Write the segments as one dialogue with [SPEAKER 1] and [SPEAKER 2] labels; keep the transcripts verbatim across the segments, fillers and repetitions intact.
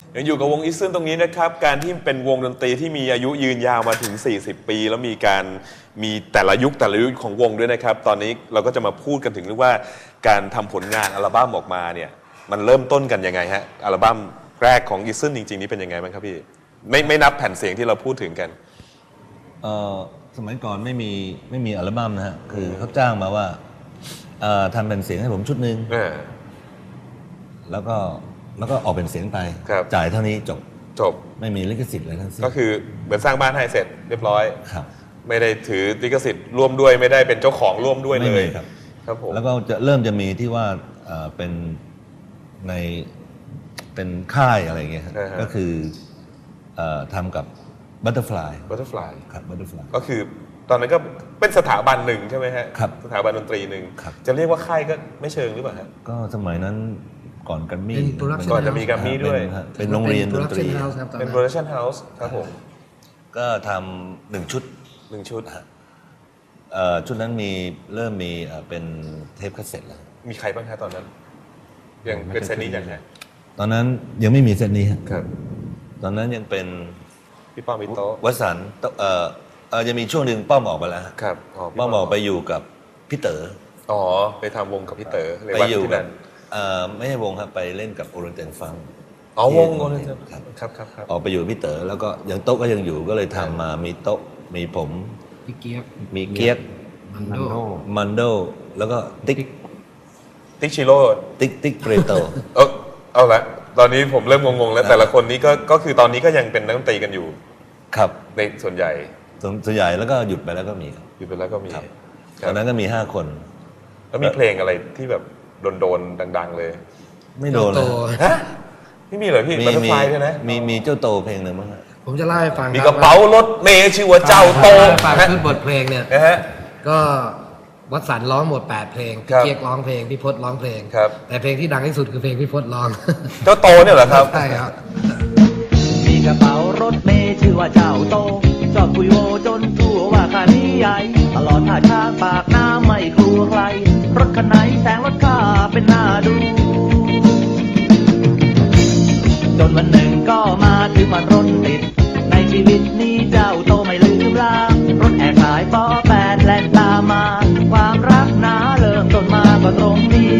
[SPEAKER 1] ยังอยู่กับวงอีซึนตรงนี้นะครับการที่เป็นวงดนตรีที่มีอายุยืนยาวมาถึงสี่สิบปีแล้วมีการมีแต่ละยุคแต่ละยุคของวงด้วยนะครับตอนนี้เราก็จะมาพูดกันถึงเรื่องว่าการทำผลงานอัลบั้มออกมาเนี่ยมันเริ่มต้นกันยังไงฮะอัลบั้มแรกของอีซึนจริงๆนี่เป็นยังไงบ้างครับพี่ไม่ไม่นับแผ่นเสียงที่เราพูดถึงกัน
[SPEAKER 2] เอ่อสมัยก่อนไม่มีไม่มีอัลบั้มนะฮะคือเขาจ้างมาว่าเอ่อทำเป็นเสียงให้ผมชุดหนึ่งแล้วก็แล้วก็ออกเป็นเสียงไปจ่ายเท่านี้จบ
[SPEAKER 1] จบ
[SPEAKER 2] ไม่มีลิขสิทธิ์อะไรทั้งสิ้น
[SPEAKER 1] ก็คือเหมือนสร้างบ้านให้เสร็จเรียบร้อย
[SPEAKER 2] ครับ
[SPEAKER 1] ไม่ได้ถือลิขสิทธิ์ร่วมด้วยไม่ได้เป็นเจ้าของร่วมด้วยเลย
[SPEAKER 2] ครับ
[SPEAKER 1] ครับผม
[SPEAKER 2] แล้วก็จะเริ่มจะมีที่ว่าเป็นในเป็นค่ายอะไรอย่างเงี้ยก็คือทำกับ Butterfly
[SPEAKER 1] Butterfly
[SPEAKER 2] ครับ Butterfly
[SPEAKER 1] ก็คือตอนนั้นก็เป็นสถาบันหนึ่งใช่ไหมฮะ
[SPEAKER 2] ครับ
[SPEAKER 1] สถาบันดนตรีหนึ่งจะเรียกว่าค่ายก็ไม่เชิงหรือเปล่าฮะ
[SPEAKER 2] ก็สมัยนั้นก่อนกัมมี่
[SPEAKER 1] ก่อนจะมีกัมมี่ด้วย
[SPEAKER 2] เป็นโรงเรียนดนตรี
[SPEAKER 1] เป็น Production House ครับผม
[SPEAKER 2] ก็ทำหนึ่งชุด
[SPEAKER 1] หนึ่งชุด
[SPEAKER 2] ชุดนั้นมีเริ่มมีเป็นเทปคาสเซ็ตแล้ว
[SPEAKER 1] มีใครบ้างคะตอนนั้นยังเป็นเซตนี้ยังไง
[SPEAKER 2] ตอนนั้นยังไม่มีเซตนี้
[SPEAKER 1] ครับ
[SPEAKER 2] ตอนนั้นยังเป็น
[SPEAKER 1] พี่ป้อมพี่โต๊ะ
[SPEAKER 2] วสันต์เอ่อเออจะมีช่วงหนึ่งป้อมออกไปแล้ว
[SPEAKER 1] ครับ
[SPEAKER 2] ป้อมออกไปอยู่กับพี่เต๋อ
[SPEAKER 1] อ๋อไปทำวงกับพี่เต๋อ
[SPEAKER 2] ไปอยู่กับเอ่อไม่ใช่วงครับไปเล่นกับโอเรนเตนฟัง
[SPEAKER 1] อ๋อวงโอเรนเตนครับครับครับ
[SPEAKER 2] ออกไปอยู่พี่เต๋อแล้วก็ยังโต๊ะก็ยังอยู่ก็เลยทำมามีโต๊ะมีผม
[SPEAKER 3] พี่เกียก
[SPEAKER 2] มีเกียก
[SPEAKER 3] มันโด
[SPEAKER 2] มันโดแล้วก็ติ๊ก
[SPEAKER 1] ติ๊กชิโร่
[SPEAKER 2] ติ๊กติ๊กเปรโต
[SPEAKER 1] เออเอาละตอนนี้ผมเริ่มงงๆแล้วแต่ละคนนี้ก็ก็คือตอนนี้ก็ยังเป็นนักดนตรีกันอยู่
[SPEAKER 2] ครับ
[SPEAKER 1] ในส่วนใหญ่
[SPEAKER 2] ส่วนใหญ่แล้วก็หยุดไปแล้วก็มี
[SPEAKER 1] หยุดไปแล้วก็มี
[SPEAKER 2] ตอนนั้นก็มีห้าคน
[SPEAKER 1] แล้วมีเพลงอะไรที่แบบโดนๆดังๆเลย
[SPEAKER 2] ไม่โดนเลย
[SPEAKER 1] ฮะไม่มีเหรอพี่บัตเตอร์ฟลายด้วยนะ
[SPEAKER 2] มีมีเจ้าโตเพลงหนึ่งมั้ง
[SPEAKER 3] ผมจะเล่าให้ฟัง
[SPEAKER 1] มีกระเป๋ารถเมย์ชื่อว่าเจ้าโต
[SPEAKER 3] ฟังคือบทเพลงเนี่ยก็วัดสันร้องหมดแปดเพลงพี่เกียกร้องเพลงพี่พจน์ร้องเพลงแต่เพลงที่ดังที่สุดคือเพลงพี่พจน์ร้อง
[SPEAKER 1] เจ้าโตเนี่ยเหรอครับ
[SPEAKER 3] ใช่ครับ
[SPEAKER 4] มีกระเป๋ารถเมย์ชื่อว่าเจ้าโตชอบคุยโวจนทั่วว่าคันนี้ใหญ่ตลอดท่าทางปากน้ำไม่กลัวใครรถคันไหนแซงรถข้าเป็นหน้าดูจนวันหนึ่งก็มาถึงวันรถติดในชีวิตนี้เจ้าโตไม่ลืมลางรถแอบสายปอแปดแล่นตามมาความรักน้าเริ่มต้นมาก็ตรงนี้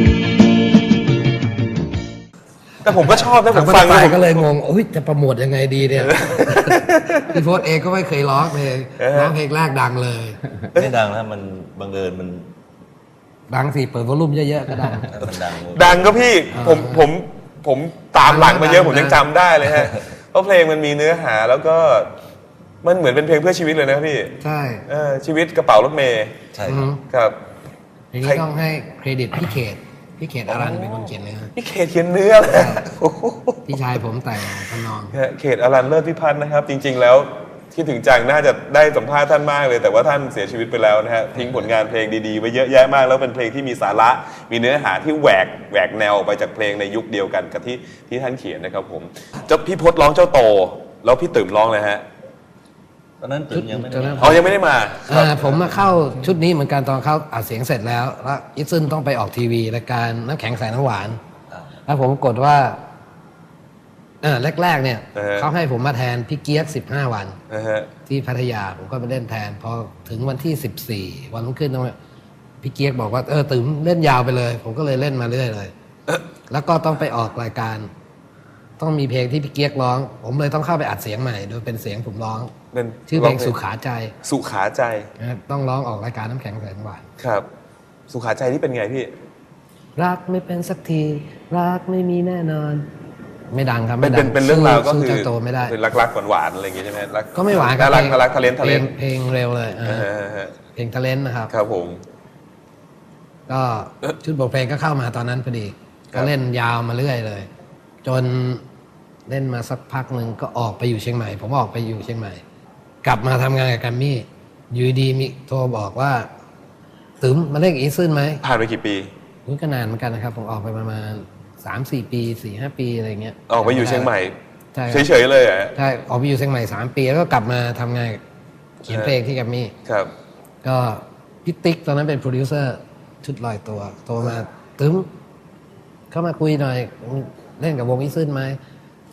[SPEAKER 1] แต่ผมก็ชอบนะผมฟัง
[SPEAKER 3] ก็เลยงงโอ้ยจะโปรโมทยังไงดีเนี่ยพี่โพสเองก็ไม่เคยร้องเพลงร้องเพลงแรกดังเลย
[SPEAKER 2] ไม่ดังนะมันบังเอิญมัน
[SPEAKER 3] ดังสิเปิดวอลลุ่มเยอะๆก็ดัง
[SPEAKER 2] มันดัง
[SPEAKER 1] ดังก็พี่ผมผมผมตามหลังมาเยอะผมยังจำได้เลยฮะเพราะเพลงมันมีเนื้อหาแล้วก็มันเหมือนเป็นเพลงเพื่อชีวิตเลยนะพี่
[SPEAKER 3] ใช่
[SPEAKER 1] ชีวิตกระเป๋ารถเมย์
[SPEAKER 2] ใช่
[SPEAKER 1] ครับ
[SPEAKER 3] เพลงนี้ต้องให้เครดิตพี่เขตพี่เขตอารันเป็นคนเขียนเลย
[SPEAKER 1] พี่เขตเขียนเนื้อเลย
[SPEAKER 3] พี่ชายผมแต่งทำนอง
[SPEAKER 1] เขตอารันเลิศพิพัฒน์นะครับจริงๆแล้วที่ถึงจังน่าจะได้สัมภาษณ์ท่านมากเลยแต่ว่าท่านเสียชีวิตไปแล้วนะฮะทิ้งผลงานเพลงดีๆไว้เยอะแยะมากแล้วเป็นเพลงที่มีสาระมีเนื้อหาที่แหวกแหวกแนวไปจากเพลงในยุคเดียวกันกับที่ที่ท่านเขียนนะครับผมเจ้าพี่พจน์ร้องเจ้าโตแล้วพี่ตื่มร้องเลยฮะ
[SPEAKER 2] ตอนนั้นตื่มยังไม่ได้
[SPEAKER 1] อ๋อยังไม่ได้มา
[SPEAKER 3] ผมมาเข้าชุดนี้เหมือนกันตอนเข้าอัดเสียงเสร็จแล้วแล้วอิซึนต้องไปออกทีวีรายการน้ำแข็งใส่น้ำหวานแล้วผมกดว่าอ่าแรกๆเนี่ยเขาให้ผมมาแทนพี่เกียกสิบห้าวันที่พัทยาผมก็ไปเล่นแทนพอถึงวันที่สิบสี่วันรุ่งขึ้นพี่เกียกบอกว่าเออตื่มเล่นยาวไปเลยผมก็เลยเล่นมาเรื่อยเลยแล้วก็ต้องไปออกรายการต้องมีเพลงที่พี่เกียกร้องผมเลยต้องเข้าไปอัดเสียงใหม่โดยเป็นเสียงผมร้องชื่อเพลงสุขาใจ
[SPEAKER 1] สุขาใจ
[SPEAKER 3] ต้องร้องออกรายการน้ำแข็งใส่น้ำหวาน
[SPEAKER 1] ครับสุขาใจที่เป็นไงพี่
[SPEAKER 3] รักไม่เป็นสักทีรักไม่มีแน่นอนไม่ดังครับ
[SPEAKER 1] ไม่ดังเป็นเรื่องราวก็คือ
[SPEAKER 3] โตไม่ได้
[SPEAKER 1] คือรักๆหวานๆอะไรอย่างงี้ใช่ไหม
[SPEAKER 3] ก็ไม่หวาน
[SPEAKER 1] น่ารักน่ารักทะเลนทะเลน
[SPEAKER 3] เพลงเร็วเลยเพลงทะเลนนะครับ
[SPEAKER 1] ครับผม
[SPEAKER 3] ก็ชุดบทเพลงก็เข้ามาตอนนั้นพอดีก็เล่นยาวมาเรื่อยเลยจนเล่นมาสักพักหนึ่งก็ออกไปอยู่เชียงใหม่ผมออกไปอยู่เชียงใหม่กลับมาทำงานกับแกรมมี่อยู่ดีมีโทรบอกว่าตึ๋มมาเล่นอีซึนไหม
[SPEAKER 1] ผ่านไปกี่ปี
[SPEAKER 3] นี่ก็นานเหมือนกันนะครับผมออกไปประมาณสามสี่ปีสี่ห้าปีอะไรเงี้ย
[SPEAKER 1] ออกไปอยู่เชียงใหม่เฉยๆเลยอ่ะ
[SPEAKER 3] ใช่ออกไปอยู่เชียงใหม่สามปีแล้วก็กลับมาทำงานเขียนเพลงที่แกรมมี่
[SPEAKER 1] ครับ
[SPEAKER 3] ก็พี่ติ๊กตอนนั้นเป็นโปรดิวเซอร์ชุดลอยตัวโทรมาตึ๋มเข้ามาคุยหน่อยเล่นกับวงอีซึนไหม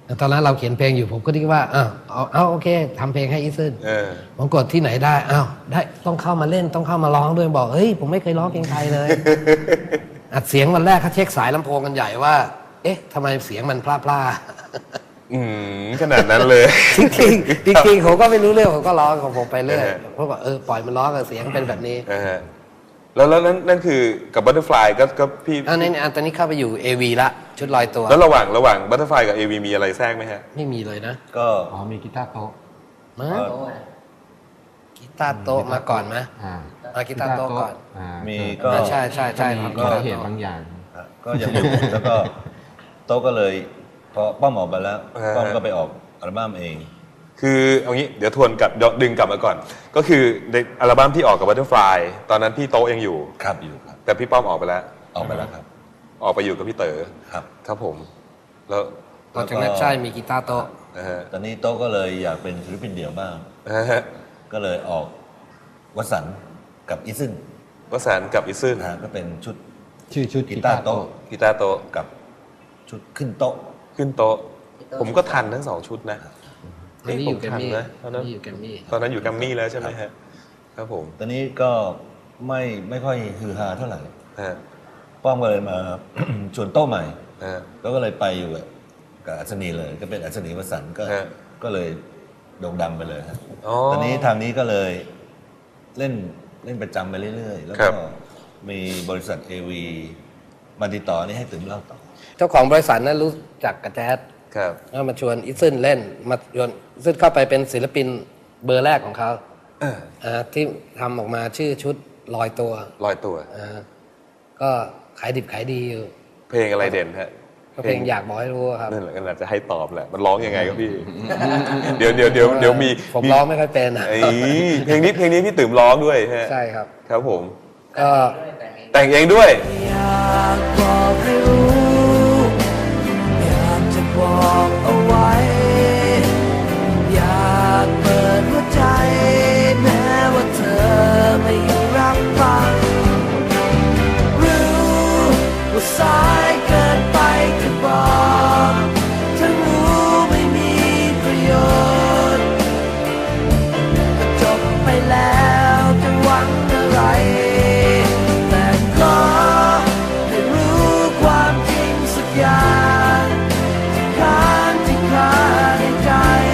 [SPEAKER 3] แต่ตอนนั้นเราเขียนเพลงอยู่ผมก็คิดว่าอ้าวเอาเอาโอเคทำเพลงให้อีซึน
[SPEAKER 1] เออ
[SPEAKER 3] ผมกดที่ไหนได้อ้าวได้ต้องเข้ามาเล่นต้องเข้ามาร้องด้วยบอกเฮ้ยผมไม่เคยร้องเพลงไทยเลย อัดเสียงวันแรกเขาเช็คสายลำโพงกันใหญ่ว่า เอ๊ะทำไมเสียงมันพล่าๆ
[SPEAKER 1] อืมขนาดนั้นเลย
[SPEAKER 3] จริงๆจริงๆผมก็ไม่รู้เรื่องผมก็ร้องของผมไปเรื่อย
[SPEAKER 1] เออ
[SPEAKER 3] เพราะว่าเออปล่อยมันร้องกับเสียงเป็นแบบนี้
[SPEAKER 1] นะฮะแล้วแล้วนั่นนั่นคือกับบัตเตอร์ฟลายก็ก็พี่
[SPEAKER 3] อันนี้อันตอนนี้เข้าไปอยู่ เอ วี ละชุดลอยตัว
[SPEAKER 1] แล้วระหว่างระหว่างบัตเตอร์ฟลายกับเอวีมีอะไรแทรกไหมฮะ
[SPEAKER 3] ไม่มีเลยนะ
[SPEAKER 2] ก็
[SPEAKER 5] อ๋อมีกีตาร์โต๊ะ
[SPEAKER 3] มา
[SPEAKER 2] ก็
[SPEAKER 3] กีตาร์โต๊ะมาก่อนไหม
[SPEAKER 5] อ่า
[SPEAKER 3] อ่ะกีตาร์โต๊ะก่อน
[SPEAKER 5] อ่า
[SPEAKER 2] มีก็
[SPEAKER 3] อ่าใช่ใช่ใช่
[SPEAKER 5] มี
[SPEAKER 3] ครับ
[SPEAKER 5] ก็เหตุบางอย่าง
[SPEAKER 2] ก็ยังอยู่ แล้วก็โต๊ะก็เลยพอป้อมออกไปแล้ว
[SPEAKER 1] อ่า
[SPEAKER 2] ป้อมก็ไปออกอัลบั้มเอง
[SPEAKER 1] คือเอางี้เดี๋ยวทวนกลับดึงกลับมาก่อน ก็คือในอัลบั้มที่ออกกับบัตเตอร์ฟลายตอนนั้นพี่โต๊ะยังอยู่
[SPEAKER 2] ครับอยู่ครับ
[SPEAKER 1] แต่พี่ป้อมออกไปแล้ว
[SPEAKER 2] ออกไปแล้วครับ
[SPEAKER 1] ออกไปอยู่กับพี่เต๋อ
[SPEAKER 2] ครับ
[SPEAKER 1] ครับผม แล้ว
[SPEAKER 3] ตอนจากนั้นใช่มีกีตาร์โต๊ะ
[SPEAKER 1] นะฮะ
[SPEAKER 2] ตอนนี้โต๊ะก็เลยอยากเป็นศิลปินเดี่ยวบ้าง
[SPEAKER 1] นะฮะ
[SPEAKER 2] ก็เลยออกวสันต์กับอีซึน
[SPEAKER 1] วสันต์กับอิซึน
[SPEAKER 2] นะฮะก็เป็นชุด
[SPEAKER 5] ชื่อชุด
[SPEAKER 2] กีตาร์โต๊ะ
[SPEAKER 1] กีตาร์โต๊ะ
[SPEAKER 2] กับชุดขึ้นโต๊ะ
[SPEAKER 1] ขึ้นโต๊ะ ผมก็ทันทั้งสองชุดนะ
[SPEAKER 3] ตอนนี้อยู่แกรมมี่
[SPEAKER 1] นะตอนนั้น
[SPEAKER 3] นี่อยู่แกรมมี่
[SPEAKER 1] ตอนนั้นอยู่แกัมมี่แล้วใช่ไหมฮะครับผม
[SPEAKER 2] ตอนนี้ก็ไม่ไม่ค่อยฮือฮาเท่าไหร่
[SPEAKER 1] ฮะ
[SPEAKER 2] ป้อมก็เลยมา ชวนโต๊ะใหม่
[SPEAKER 1] ฮะ
[SPEAKER 2] แล้วก็เลยไปอยู่กับกับอัศนีเลยก็เป็นอัศนีวสันต์ก็
[SPEAKER 1] ฮะ
[SPEAKER 2] ก็เลยโด่งดังไปเลยฮะ
[SPEAKER 1] อ๋อ
[SPEAKER 2] ตอนนี้ทางนี้ก็เลยเล่นเล่นประจำไปเรื่อยๆ แล้ว
[SPEAKER 1] ครั
[SPEAKER 2] ก็
[SPEAKER 1] บ
[SPEAKER 2] มีบริษัท เอ วี มาติดต่อนี่ให้ตื่นเล่าต่อ
[SPEAKER 3] เจ้าของบริษัทนั้นรู้จักกับแจ๊ด
[SPEAKER 1] ครับ
[SPEAKER 3] ก็มาชวนอีซึนเล่นมาชวนอีซึนเข้าไปเป็นศิลปินเบอร์แรกของเขา
[SPEAKER 1] เออ
[SPEAKER 3] อ่าที่ทำออกมาชื่อชุดลอยตัว
[SPEAKER 1] ลอยตัว
[SPEAKER 3] อ่าก็ขายดิบขายดีอยู่
[SPEAKER 1] เพลงอะไรเด่นฮะ
[SPEAKER 3] ก็เพลงอยากบอกให้รู้ครับ
[SPEAKER 1] นั่นแหละก็น่าจะให้ตอบแหละ มันร้องยังไงครับพี่ เดี๋ยวเดี๋ยวเดี๋ยวเดี๋ยวมี
[SPEAKER 3] ผมร้องไม่ค่อยเป็นนะ
[SPEAKER 1] ไอ้เพลงนี้เพลงนี้พี่ตื่มร้องด้วยฮะ
[SPEAKER 3] ใช่ครับ
[SPEAKER 1] ครับผม
[SPEAKER 3] ก็
[SPEAKER 1] แต่งเองด้วย
[SPEAKER 4] อยากบอกให้รู้ อยากจะบอกเอาไว้ อยากเปิดหัวใจ แม้ว่าเธอไม่รับฟัง รู้ว่าสายเกินไปจะบอกทั้งรู้ไม่มีประโยชน์ ก็จบไปแล้วจะหวังอะไร แต่ขอให้รู้ความจริงสักอย่างที่ค้างที่คาในใจ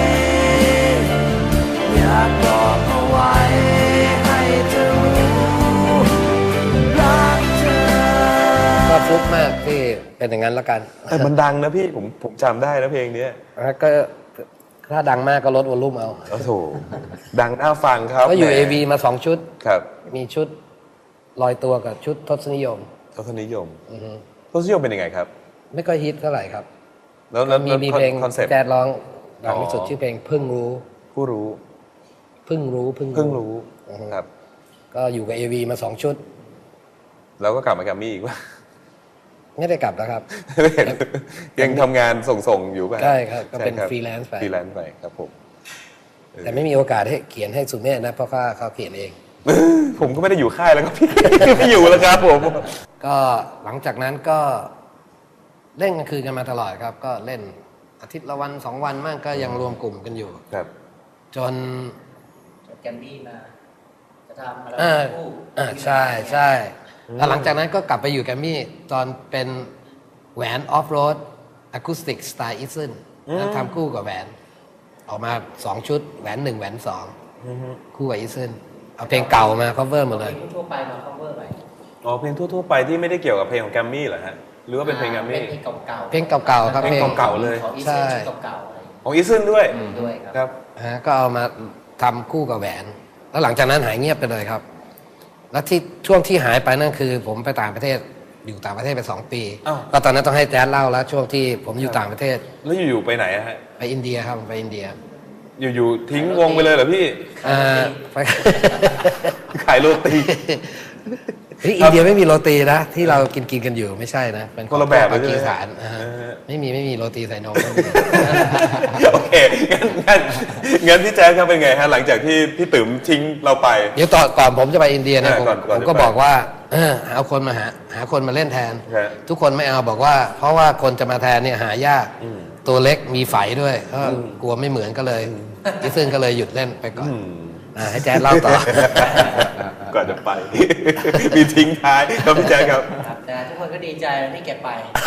[SPEAKER 4] อยากบอกเอาไว้ให้เธอรู้รักเธอ
[SPEAKER 3] ก็ฟลุกมากที่เป็นอย่างนั้นแล้วกัน
[SPEAKER 1] แต่มันดังนะพี่ผมผมจำได้นะเพลงเนี้ย
[SPEAKER 3] แล้วก็ถ้าดังมากก็ลดวอลลุ่มเอา
[SPEAKER 1] โอ้โหดังน่าฟังครับ
[SPEAKER 3] ก็อยู่
[SPEAKER 1] แหม
[SPEAKER 3] เอ วี มาสองชุด
[SPEAKER 1] ครับ
[SPEAKER 3] มีชุดลอยตัวกับชุดทศนิยม
[SPEAKER 1] ทศนิยม
[SPEAKER 3] อือฮึ
[SPEAKER 1] ทศนิยมเป็นยังไงครับ
[SPEAKER 3] ไม่ค่อยฮิตเท่าไหร่ครับ
[SPEAKER 1] แล้วแล้ว
[SPEAKER 3] มี
[SPEAKER 1] แล้ว
[SPEAKER 3] มีเพลง
[SPEAKER 1] คอนเซ็ปต์
[SPEAKER 3] แจ๊ดร้องดังที่สุด
[SPEAKER 1] อ๋อ
[SPEAKER 3] ชื่อเพลงเพิ่งรู้
[SPEAKER 1] ผู้รู้
[SPEAKER 3] เพิ่งรู้เพิ่ง
[SPEAKER 1] เพิ่งรู้
[SPEAKER 3] อือฮึ
[SPEAKER 1] ครับ
[SPEAKER 3] ก็อยู่กับ เอ วี มาสองชุด
[SPEAKER 1] แล้วก็กลับมาแกัมมี่อีกว่า
[SPEAKER 3] ไม่ได้กลับแล้วครับ
[SPEAKER 1] ยังทำงานส่งๆอยู่ป่ะ
[SPEAKER 3] ใช่ครับก็เป็น
[SPEAKER 1] ใช่
[SPEAKER 3] freelance ไป
[SPEAKER 1] ฟรีแลนซ์ไปครับผม
[SPEAKER 3] แต่ไม่มีโอกาสให้เขียนให้สุเมธนะเพราะว่าเขาเขียนเอง
[SPEAKER 1] ผมก็ไม่ได้อยู่ค่ายแล้วครับพี่ ไม่อยู่แล้วครับผม
[SPEAKER 3] ก็หลังจากนั้นก็เล่นกลางคืนกันมาตลอดครับ ก็เล่นอาทิตย์ละวันสองวันมั่งก็ยังรวมกลุ่มกันอยู่
[SPEAKER 1] ครับ
[SPEAKER 3] จน
[SPEAKER 6] แกมมี่มาจะทำอะไร
[SPEAKER 3] อ่า
[SPEAKER 6] คู่
[SPEAKER 3] อ่าใช่ใช่แล้วหลังจากนั้นก็กลับไปอยู่แกรมมี่ตอนเป็นแหวนออฟโรดอะคูสติกสไตล์อีซึนแล้วทำคู่กับแหวน ออกมาสองชุดแหวนหนึ่งแหวนสองคู่กับอีซึนเอาเพลงเก่ามา cover หมดเลย
[SPEAKER 6] ทั่วไปมา cover ใหม่
[SPEAKER 1] อ๋อเพลงทั่วๆไปที่ไม่ได้เกี่ยวกับเพลงของแกรมมี่เหรอฮะหรือว่าเป็นเพลงแกรมมี่
[SPEAKER 6] เป็นเพลงเก่าๆ
[SPEAKER 3] เพลงเก่าๆครับ
[SPEAKER 1] เพลงเก่าๆเลย
[SPEAKER 6] ของอี
[SPEAKER 3] ใช่
[SPEAKER 6] เซนชุดเก่าๆอะไร
[SPEAKER 1] ของอีซึนด้วย
[SPEAKER 6] ด้วยครับ
[SPEAKER 1] ครับ
[SPEAKER 3] ฮะก็เอามาทำคู่กับแหวน แล้วหลังจากนั้นหายเงียบไปเลยครับ แล้วที่ช่วงที่หายไปนั่นคือ ผมไปต่างประเทศอยู่ต่างประเทศไปสองปี
[SPEAKER 1] อ้าว
[SPEAKER 3] ก็ตอนนั้นต้องให้แจ๊ดเล่าแล้วช่วงที่ผมอยู่ต่างประเทศ
[SPEAKER 1] แล้วอยู่ๆไปไหนอะฮะ
[SPEAKER 3] ไปอินเดียครับไปอินเดีย
[SPEAKER 1] อยู่ๆทิ้งวงไปเลยเหรอพี่
[SPEAKER 3] อ่าไป
[SPEAKER 1] ขายโรตี
[SPEAKER 3] เฮ้ยอินเดียไม่มีโรตีนะ ที่เรากินกินกันอยู่ไม่ใช่นะ เป็น
[SPEAKER 1] คนละแบบเลย
[SPEAKER 3] ปา
[SPEAKER 1] ใช่ไหม
[SPEAKER 3] กีสถานอ่าฮะ
[SPEAKER 1] เออ
[SPEAKER 3] ไม่มีไม่มีโรตีใส่นม
[SPEAKER 1] โอเคงั้นงั้นงั้นพี่แจ๊คครับเป็นไงฮะหลังจากที่พี่ติ๋มทิ้งเราไป
[SPEAKER 3] เดี๋ยวต่อก่อนผมจะไปอินเดียนะ
[SPEAKER 1] เออ
[SPEAKER 3] ผม
[SPEAKER 1] ก่อนก่อน
[SPEAKER 3] ผมก็
[SPEAKER 1] จะไป
[SPEAKER 3] บอกว่าเออหาคนมาหาหาคนมาเล่นแทน
[SPEAKER 1] ฮะ
[SPEAKER 3] ทุกคนไม่เอาบอกว่า เพราะว่าคนจะมาแทนเนี่ยหายากตัวเล็กมีไฝด้วยก็กลัวไม่เหมือนก็เลยอีซึนก็เลยหยุดเล่นไปก่อนอ่าให้แจ๊ดเล่าต่อ
[SPEAKER 1] ก่อนจะไป มีทิ้งท้ายครับพี่แจ๊คครับ
[SPEAKER 6] ครับแต่ทุกคนก็ดีใจที่แกไป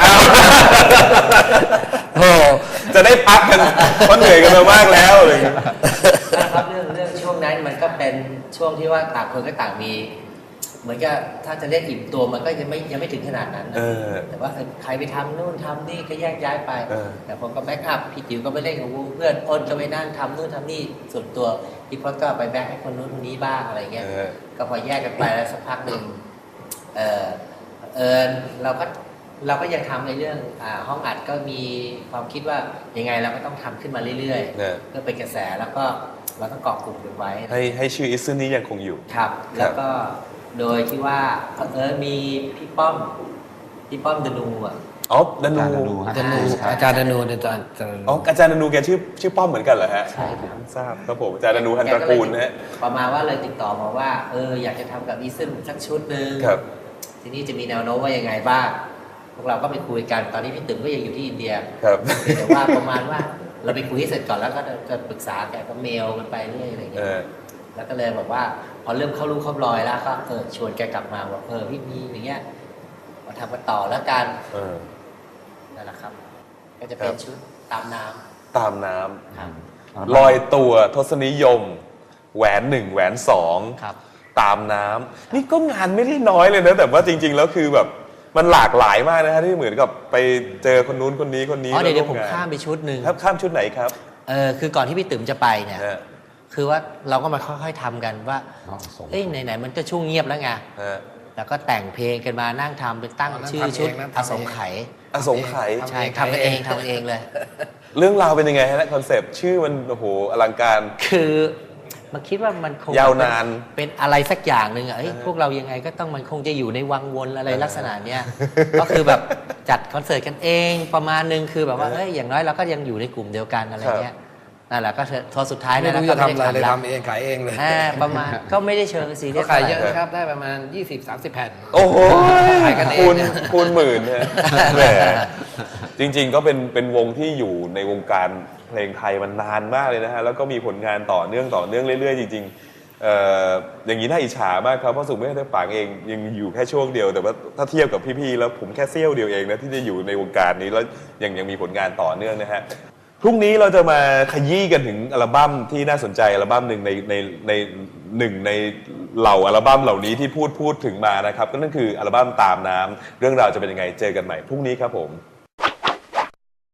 [SPEAKER 3] โอ้
[SPEAKER 1] จะได้พักกันเพราะเหนื่อยกันมามากแล้วอะไรอย่างเงี้ย
[SPEAKER 6] นะครับเรื่องเรื่องช่วงนั้นมันก็เป็นช่วงที่ว่าต่างคนก็ต่างมี เหมือนกับถ้าจะเรียกอิ่มตัวมันก็ยังไม่ยังไม่ถึงขนาดนั้นนะ
[SPEAKER 1] เออ
[SPEAKER 6] แต่ว่าเออใครไปทำนู่นทำนี่ก็แยกย้ายไป
[SPEAKER 1] เออ
[SPEAKER 6] แต่ผมก็แบ็กอัพพี่จิ๋วก็ไปเล่นกับวงเพื่อนอ้นก็ไปนั่งทำนู่นทำนี่ส่วนตัวพี่พจน์ก็ไปแบ็กให้คนนู้นคนนี้บ้างอะไรเงี้ย
[SPEAKER 1] เออ
[SPEAKER 6] ก็พอแยกกันไปแล้วสักพักหนึ่งเออเออเราก็เราก็ยังทำในเรื่องอ่าห้องอัดก็มีความคิดว่ายังไงเราก็ต้องทำขึ้นมาเรื่อย
[SPEAKER 1] เนี่ย
[SPEAKER 6] ๆเพื่อเป็นกระแสแล้วก็เราต้องเกาะกลุ่มกันไว้
[SPEAKER 1] ให้ให้ชื่ออิซึนนี้ยังคงอยู่
[SPEAKER 6] ครับ แล้วก็โดยที่ว่าเออมีพี่ป้อมพี่ป้อมดนูอ่ะ
[SPEAKER 1] อ๋อดนู
[SPEAKER 5] อาจารย์ดนูฮะ
[SPEAKER 3] ดนูอาจารย์ดนูอาจารย์อาจารย์
[SPEAKER 1] อ๋ออาจารย์ดนูแกชื่อชื่อป้อมเหมือนกันเหรอฮะ
[SPEAKER 6] ใช่ครับ
[SPEAKER 1] ทราบครับผมอาจารย์ดนูฮันตระกูลนะฮะ
[SPEAKER 6] ประมาณว่าเลยติดต่อมาว่าเอออยากจะทำกับอีซึนสักชุดหนึ่ง
[SPEAKER 1] ครับ
[SPEAKER 6] ทีนี้จะมีแนวโน้มว่ายังไงบ้างพวกเราก็ไปคุยกันตอนนี้พี่ตึงก็ยังอยู่ที่อินเดีย
[SPEAKER 1] ครับ
[SPEAKER 6] แต่ว่าประมาณว่าเราไปคุยให้เสร็จก่อนแล้วก็จะปรึกษาแกก็เมลกันไปเรื่อยอะไรอย่าง
[SPEAKER 1] เอ
[SPEAKER 6] เงี้ย
[SPEAKER 1] อ
[SPEAKER 6] แล้วก็เลยบอกว่าพอเริ่มเข้ารูปเข้ารอยแล้วก็เออชวนแกกลับมาบอกเออพี่มีอย่างเงี้ยมาทำกันต่อแล้วกัน
[SPEAKER 1] เออ
[SPEAKER 6] นั่นแหละครับ ก็จะเป็นชุดตามน้
[SPEAKER 1] ตามน้
[SPEAKER 6] ำครับ
[SPEAKER 1] ำลอยตัวทศนิยม แหวนหนึ่งแหวนสอง
[SPEAKER 6] ครับ
[SPEAKER 1] ตามน้ำนี่ก็งานไม่ได้น้อยเลยนะแต่ว่าจริง ๆ แล้วคือแบบมันหลากหลายมากนะฮะที่เหมือนกับไปเจอคนนู้นคนนี้คนนี้
[SPEAKER 6] อ๋อเดี๋ยวเดี๋ยวผม
[SPEAKER 1] แล้ร่งน
[SPEAKER 6] ข้ามไปชุดหนึ่ง
[SPEAKER 1] ครับข้ามชุดไหนครับ
[SPEAKER 6] เออคือก่อนที่พี่ตึมจะไปเนี่ย
[SPEAKER 1] ฮะ
[SPEAKER 6] คือว่าเราก็มาค่อยๆทำกันว่า
[SPEAKER 5] อ๋อส่ง
[SPEAKER 6] เอ้ยไหนๆมันก็ช่วงเงียบแล้วไง
[SPEAKER 1] ฮะ
[SPEAKER 6] แล้วก็แต่งเพลงกันมานั่งทำเป็นตั้ง
[SPEAKER 3] อ๋อนั่ง
[SPEAKER 6] ชื่อ
[SPEAKER 3] ทำเอง
[SPEAKER 6] ชุด
[SPEAKER 3] นั่ง
[SPEAKER 6] อ
[SPEAKER 3] ทำเอง
[SPEAKER 6] สงไขย
[SPEAKER 1] อสงไขย
[SPEAKER 6] ใช่ทำกันเองทำกันเองเลย
[SPEAKER 1] เรื่องราวเป็นยังไงฮะคอนเซปต์ชื่อมันโอ้โหอลังการ
[SPEAKER 6] คือมันคิดว่ามันคง
[SPEAKER 1] ยาวนาน
[SPEAKER 6] เป็นอะไรสักอย่างหนึ่งอะเอ้ยพวกเรายังไงก็ต้องมันคงจะอยู่ในวังวนอะไรลักษณะเนี้ย ก็คือแบบจัดคอนเสิร์ตกันเองประมาณนึงคือแบบว่าเอ้ยอย่างน้อยเราก็ยังอยู่ในกลุ่มเดียวกันอะไรเงี้ยนั่นแหละก็เถอะทอสุดท้าย
[SPEAKER 3] ไม่
[SPEAKER 6] นั่น
[SPEAKER 3] รู้
[SPEAKER 6] แล้ว
[SPEAKER 3] จะ
[SPEAKER 6] ก็ไม่
[SPEAKER 3] ทำอะไร
[SPEAKER 6] ได้
[SPEAKER 3] เลย
[SPEAKER 6] ทำแล้ว
[SPEAKER 3] ทำเองขายเองเลย
[SPEAKER 6] อ่าประมาณก็ไม่ได้เชิงซีเรี
[SPEAKER 3] ก็
[SPEAKER 6] ยส
[SPEAKER 3] ขายเยอะ
[SPEAKER 6] ท่ไหร่
[SPEAKER 3] นะครับได้ประมาณ ยี่สิบสามสิบ แผ่น
[SPEAKER 1] โอ้โห
[SPEAKER 3] ขายกันเอง
[SPEAKER 1] คูณคูณหมื่นเนี่ยแหมจริง ๆ ก็เป็นเป็นวงที่อยู่ในวงการเพลงไทยมันนานมากเลยนะฮะแล้วก็มีผลงานต่อเนื่องต่อเนื่องเรื่อยๆจริงๆเอ่ออย่างนี้น่าอิจฉามากครับเพราะสุขไม่ได้ปางเองยังอยู่แค่ช่วงเดียวแต่ว่าถ้าเทียบกับพี่ๆแล้วผมแค่เสี้ยวเดียวเองนะที่จะอยู่ในวงการนี้แล้วยังยังมีผลงานต่อเนื่องนะฮะพรุ่งนี้เราจะมาขยี้กันถึงอัลบั้มที่น่าสนใจอัลบั้มหนึ่งในในในหนึ่งในเหล่าอัลบั้มเหล่านี้ที่พูดพูดถึงมานะครับก็นั่นคืออัลบั้มตามน้ำเรื่องราวจะเป็นยังไงเจอกันใหม่พรุ่งนี้ครับผม